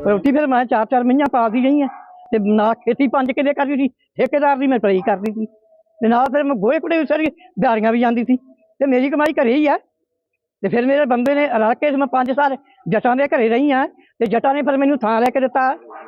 रोटी फिर मैं 4-4 महीनियां पालती रही है ते ना खेती 5 किले करदी सी, ठेकेदार दी मैं पराई करदी सी ते नाल फिर मैं गोहे कूड़े सारी दिहाड़ियां भी जांदी सी ते मेरी कमाई घरे ही है। ते फिर मेरे बंदे ने रल के मैं 5 साल जटां दे घरे रही हाँ ते जटां ने फिर मैनूं थां लैके दित्ता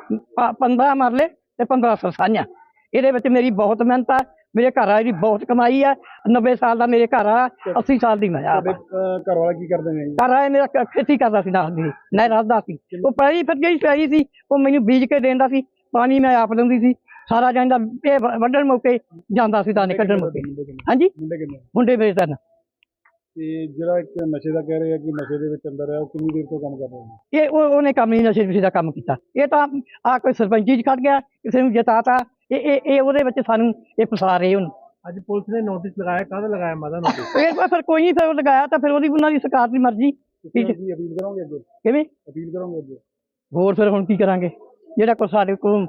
15 मरले ते 15 सरसाइयां। इहदे विच मेरी बहुत मेहनत है, मेरे घर वाले की बहुत कमाई है। 90 साल का मेरे घर वाला, 80 साल की मैं। घर वाला की करदे ने? घर वाले मेरा खेती करदा सी, नाल मेरे नाल रलदा सी। वो पैली फिर जेहड़ी पैली सी वो मैनूं बीज के देंदा सी, पानी मैं आप दिंदी सी सारा जांदा, ये वड्ढण मौके जांदा सी, दाने कड्ढण मौके। हाँ जी, मुंडे मेरे 3। ਤੇ ਜਿਹੜਾ ਇੱਕ ਨਸ਼ੇ ਦਾ ਕਹਿ ਰਹੇ ਆ ਕਿ ਨਸ਼ੇ ਦੇ ਵਿੱਚ ਅੰਦਰ ਹੈ, ਉਹ ਕਿੰਨੀ ਦੇਰ ਤੋਂ ਕੰਮ ਕਰ ਰਿਹਾ ਹੈ? ये ਉਹਨੇ ਕੰਮ ਨਹੀਂ ਨਸ਼ੇ ਨੁਸ਼ੇ ਦਾ ਕੰਮ ਕੀਤਾ। ਇਹ ਤਾਂ ਆ ਕੋਈ ਸਰਪੰਚੀ ਚ ਖੜ ਗਿਆ, ਕਿਸੇ ਨੂੰ ਜਿਤਾਤਾ, ਇਹ ਉਹਦੇ ਵਿੱਚ ਸਾਨੂੰ ਇਹ ਫਸਾ ਰਹੇ ਹੁਣ। ਅੱਜ ਪੁਲਿਸ ਨੇ ਨੋਟਿਸ ਲਗਾਇਆ, ਕਾਹਦਾ ਲਗਾਇਆ ਮਾਦਾ ਨੋਟਿਸ? ਇਹ ਫਿਰ ਕੋਈ ਨਹੀਂ, ਫਿਰ ਉਹ ਲਗਾਇਆ ਤਾਂ ਫਿਰ ਉਹਦੀ ਉਹਨਾਂ ਦੀ ਸਰਕਾਰ ਦੀ ਮਰਜ਼ੀ। ਤੁਸੀਂ ਅਪੀਲ ਕਰੋਗੇ ਅੱਗੇ? ਕਿਵੇਂ ਅਪੀਲ ਕਰੋਗੇ ਅੱਗੇ? ਹੋਰ ਫਿਰ ਹੁਣ ਕੀ ਕਰਾਂਗੇ, ਜਿਹੜਾ ਕੋਈ ਸਾਡੇ ਕੋਲ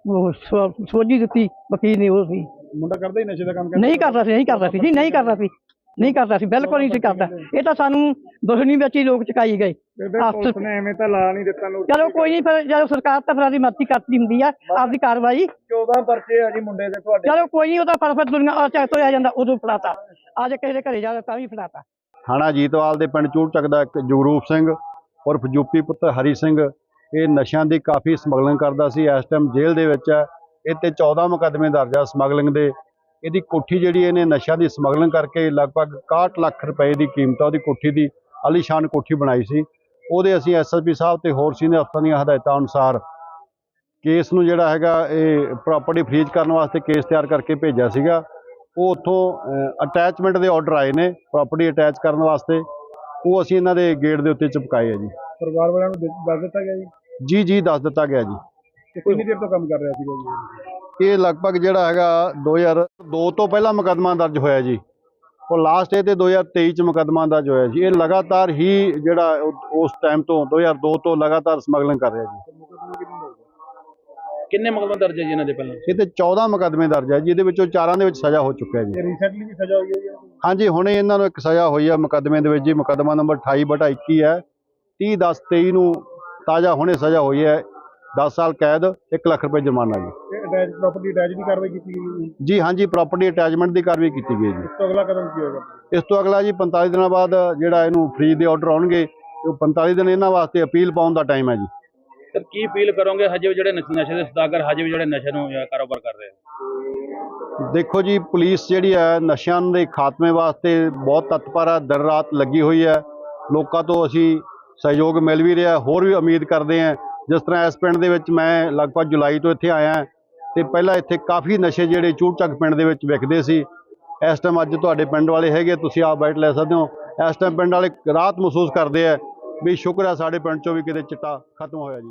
ਸੋਝੀ ਦਿੱਤੀ ਵਕੀਲ ਨੇ ਉਹ ਸੀ। ਮੁੰਡਾ ਕਰਦਾ ਹੀ ਨਸ਼ੇ ਦਾ ਕੰਮ? ਨਹੀਂ ਕਰਦਾ ਸੀ, ਨਹੀਂ ਕਰਦਾ ਸੀ ਜੀ, ਨਹੀਂ ਕਰਦਾ ਸੀ, ਨਹੀਂ ਕਰਦਾ ਸੀ, ਬਿਲਕੁਲ ਨਹੀਂ ਸੀ ਕਰਦਾ। ਇਹ ਤਾਂ ਸਾਨੂੰ ਦੁਸ਼ਮਣੀ ਵਿੱਚ ਹੀ ਲੋਕ ਚੁਕਾਈ ਗਏ। ਪੁਲਿਸ ਨੇ ਐਵੇਂ ਤਾਂ ਲਾ ਨਹੀਂ ਦਿੱਤਾ ਲੋਕ। ਚਲੋ ਕੋਈ ਨਹੀਂ, ਫਿਰ ਜਦੋਂ ਸਰਕਾਰ ਤਾਂ ਫਿਰ ਆਪਦੀ ਮਰਜ਼ੀ ਕਰਦੀ ਹੁੰਦੀ ਆ ਆਪਦੀ ਕਾਰਵਾਈ। 14 ਪਰਚੇ ਆ ਜੀ ਮੁੰਡੇ ਦੇ ਤੁਹਾਡੇ। ਚਲੋ ਕੋਈ ਨਹੀਂ, ਉਹਦਾ ਫਰਫਰ ਦੁਨੀਆ ਚੱਕ ਤੋਂ ਆ ਜਾਂਦਾ, ਉਦੋਂ ਫੜਾਤਾ। ਅੱਜ ਕਿਸੇ ਦੇ ਘਰੇ ਜਾ ਤਾਂ ਵੀ ਫੜਾਤਾ। ਥਾਣਾ ਜੀਤਵਾਲ ਦੇ ਪਿੰਡ ਚੂੜਚੱਕ ਦਾ ਇੱਕ ਜਗਰੂਪ ਸਿੰਘ ਉਰਫ ਯੂਪੀ ਪੁੱਤਰ ਹਰੀ ਸਿੰਘ, ਇਹ ਨਸ਼ਿਆਂ ਦੀ ਕਾਫੀ ਸਮਗਲਿੰਗ ਕਰਦਾ ਸੀ। ਇਸ ਟਾਈਮ ਜੇਲ੍ਹ ਦੇ ਵਿੱਚ ਹੈ। ਇਹ 'ਤੇ 14 ਮੁਕੱਦਮੇ ਦਰਜ ਆ ਸਮਗਲਿੰਗ ਦੇ। ਇਹਦੀ ਕੋਠੀ ਜਿਹੜੀ ਇਹਨੇ ਨਸ਼ਿਆਂ ਦੀ ਸਮਗਲਿੰਗ ਕਰਕੇ ਲਗਭਗ 61 ਲੱਖ ਰੁਪਏ ਦੀ ਕੀਮਤ ਆ ਉਹਦੀ ਕੋਠੀ ਦੀ, ਆਲੀਸ਼ਾਨ ਕੋਠੀ ਬਣਾਈ ਸੀ। ਉਹਦੇ ਅਸੀਂ ਐਸਐਸਪੀ ਸਾਹਿਬ ਤੇ ਹੋਰ ਸੀਨੀਅਰ ਅਫਸਰਾਂ ਦੀਆਂ ਹਦਾਇਤਾਂ ਅਨੁਸਾਰ ਕੇਸ ਨੂੰ ਜਿਹੜਾ ਹੈਗਾ ਇਹ ਪ੍ਰਾਪਰਟੀ ਫਰੀਜ਼ ਕਰਨ ਵਾਸਤੇ ਕੇਸ ਤਿਆਰ ਕਰਕੇ ਭੇਜਿਆ ਸੀਗਾ। ਉਹ ਉੱਥੋਂ ਅਟੈਚਮੈਂਟ ਦੇ ਆਰਡਰ ਆਏ ਨੇ ਪ੍ਰਾਪਰਟੀ ਅਟੈਚ ਕਰਨ ਵਾਸਤੇ, ਉਹ ਅਸੀਂ ਇਹਨਾਂ ਦੇ ਗੇਟ ਦੇ ਉੱਤੇ ਚਿਪਕਾਏ ਆ ਜੀ। ਪਰਿਵਾਰ ਵਾਲਿਆਂ ਨੂੰ ਦੱਸ ਦਿੱਤਾ ਗਿਆ ਜੀ? ਜੀ ਦੱਸ ਦਿੱਤਾ ਗਿਆ ਜੀ। ਕਿੰਨੀ ਦੇਰ ਤੋਂ ਕੰਮ ਕਰ ਰਿਹਾ ਸੀਗਾ ਜੀ? ਇਹ ਲਗਭਗ ਜਿਹੜਾ ਹੈਗਾ 2002 ਤੋਂ ਪਹਿਲਾਂ ਮੁਕੱਦਮਾ ਦਰਜ ਹੋਇਆ ਜੀ, ਉਹ ਲਾਸਟ ਇਹ ਤੇ 2023 ਚ ਮੁਕੱਦਮਾ ਦਰਜ ਹੋਇਆ ਜੀ। ਇਹ ਲਗਾਤਾਰ ਹੀ ਜਿਹੜਾ ਉਸ ਟਾਈਮ ਤੋਂ 2002 ਤੋਂ ਲਗਾਤਾਰ ਸਮਗਲਿੰਗ ਕਰ ਰਿਹਾ ਜੀ। ਕਿੰਨੇ ਮੁਕੱਦਮੇ ਦਰਜ ਹੈ ਜੀ ਇਹਨਾਂ ਦੇ ਪਹਿਲਾਂ? ਇਹ ਤੇ 14 ਮੁਕੱਦਮੇ ਦਰਜ ਹੈ, ਜਿਹਦੇ ਵਿੱਚੋਂ 4 ਦੇ ਵਿੱਚ ਸਜ਼ਾ ਹੋ ਚੁੱਕਿਆ ਜੀ। ਰੀਸੈਂਟਲੀ ਵੀ ਸਜ਼ਾ ਹੋਈ ਹੈ ਜੀ? ਹਾਂਜੀ, ਹੁਣੇ ਇਹਨਾਂ ਨੂੰ ਇੱਕ ਸਜ਼ਾ ਹੋਈ ਹੈ ਮੁਕੱਦਮੇ ਦੇ ਵਿੱਚ ਜੀ। ਮੁਕੱਦਮਾ ਨੰਬਰ 28/21 ਹੈ। 30/10/23 ਨੂੰ ਤਾਜ਼ਾ ਹੁਣੇ ਸਜ਼ਾ ਹੋਈ ਹੈ, 10 ਸਾਲ ਕੈਦ, 1 ਲੱਖ ਰੁਪਏ ਜੁਰਮਾਨਾ ਜੀ। ਅਟੈਚ ਪ੍ਰਾਪਰਟੀ ਅਟੈਚ ਦੀ ਕਾਰਵਾਈ ਕੀਤੀ ਗਈ ਜੀ? ਹਾਂਜੀ, ਪ੍ਰਾਪਰਟੀ ਅਟੈਚਮੈਂਟ ਦੀ ਕਾਰਵਾਈ ਕੀਤੀ ਗਈ ਜੀ। ਇਸ ਤੋਂ ਅਗਲਾ ਕਦਮ ਕੀ ਹੋਏਗਾ? ਇਸ ਤੋਂ ਅਗਲਾ ਜੀ 45 ਦਿਨਾਂ ਬਾਅਦ ਜਿਹੜਾ ਇਹਨੂੰ ਫਰੀਜ਼ ਦੇ ਆਰਡਰ ਆਉਣਗੇ, ਉਹ 45 ਦਿਨ ਇਹਨਾਂ ਵਾਸਤੇ ਅਪੀਲ ਪਾਉਣ ਦਾ ਟਾਈਮ ਹੈ ਜੀ। ਸਰ ਕੀ ਅਪੀਲ ਕਰੋਗੇ ਹਜੇ ਵੀ ਜਿਹੜੇ ਨਸ਼ੇ ਦੇ ਸੌਦਾਗਰ ਹਜੇ ਵੀ ਜਿਹੜੇ ਨਸ਼ੇ ਨੂੰ ਕਾਰੋਬਾਰ ਕਰ ਰਹੇ ਆ? ਦੇਖੋ ਜੀ, ਪੁਲਿਸ ਜਿਹੜੀ ਹੈ ਨਸ਼ਿਆਂ ਦੇ ਖਾਤਮੇ ਵਾਸਤੇ ਬਹੁਤ ਤਤਪਰ ਹੈ, ਦਿਨ ਰਾਤ ਲੱਗੀ ਹੋਈ ਹੈ। ਲੋਕਾਂ ਤੋਂ ਅਸੀਂ ਸਹਿਯੋਗ ਮਿਲ ਵੀ ਰਿਹਾ, ਹੋਰ ਵੀ ਉਮੀਦ ਕਰਦੇ ਹਾਂ। ਜਿਸ ਤਰ੍ਹਾਂ ਇਸ ਪਿੰਡ ਦੇ ਵਿੱਚ ਮੈਂ ਲਗਭਗ ਜੁਲਾਈ ਤੋਂ ਇੱਥੇ ਆਇਆ ਤੇ ਪਹਿਲਾਂ ਇੱਥੇ ਕਾਫੀ ਨਸ਼ੇ ਜਿਹੜੇ ਚੂੜਚੱਕ ਪਿੰਡ ਦੇ ਵਿੱਚ ਵਿਕਦੇ ਸੀ। ਇਸ ਟਾਈਮ ਅੱਜ ਤੁਹਾਡੇ ਪਿੰਡ ਵਾਲੇ ਹੈਗੇ, ਤੁਸੀਂ ਆਪ ਬੈਠ ਲੈ ਸਕਦੇ ਹੋ। ਇਸ ਟਾਈਮ ਪਿੰਡ ਵਾਲੇ ਰਾਹਤ ਮਹਿਸੂਸ ਕਰਦੇ ਆ ਵੀ ਸ਼ੁਕਰ ਹੈ ਸਾਡੇ ਪਿੰਡ ਚੋਂ ਵੀ ਕਿਤੇ ਚਿੱਟਾ ਖਤਮ ਹੋਇਆ ਜੀ।